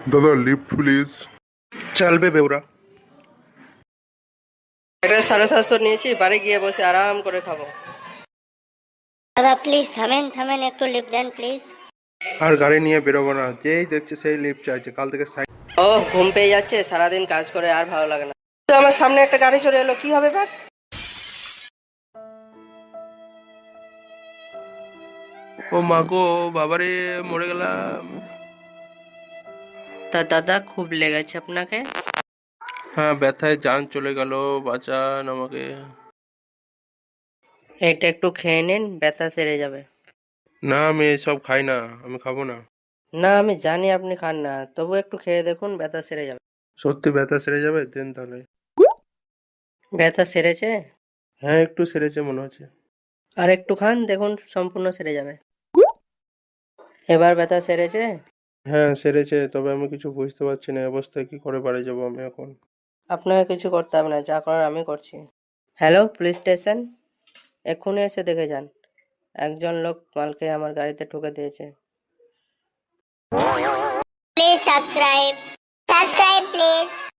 দাদা lift please. চলবে বেউরা। একটা 750 নিয়েছি, বাড়ি গিয়ে বসে আরাম করে খাবো। দাদা প্লিজ থামেন থামেন, একটু লিফট দেন প্লিজ। আর গাড়ি নিয়ে বেরোবো না, যেই দেখছে সেই লিফট চাইছে। কাল থেকে সাইড। ও ঘুম পেয়ে যাচ্ছে, সারাদিন কাজ করে আর ভালো লাগে না। তো আমার সামনে একটা গাড়ি চলে এলো, কি হবে এবার? ও মা গো, বাবারে, মরে গেলাম। তা দাদা খুব লেগেছে আপনাকে? হ্যাঁ, ব্যথায় জান চলে গেল। বাঁচান আমাকে। এটা একটু খেয়ে নিন, ব্যথা সেরে যাবে। না, আমি এসব খাই না, আমি খাবো না। না আমি জানি আপনি খান না, তবু একটু খেয়ে দেখুন, ব্যথা সেরে যাবে। সত্যি ব্যথা সেরে যাবে? দেন তাহলে। ব্যথা সেরেছে? হ্যাঁ, একটু সেরেছে মনে হচ্ছে। আর একটু খান, দেখুন সম্পূর্ণ সেরে যাবে। এবার ব্যথা সেরেছে? হ্যাঁ সেরেছে, তবে আমি কিছু বুঝতে পারছি না, এই অবস্থায় কি করে বাড়ি যাবো আমি এখন। আপনাকে কিছু করতে হবে না, যা করার আমি করছি। Hello, police station. এক্ষুনি এসে দেখে যান, একজন লোক মালকে আমার গাড়িতে ঠুকে দিয়েছে। Please subscribe please.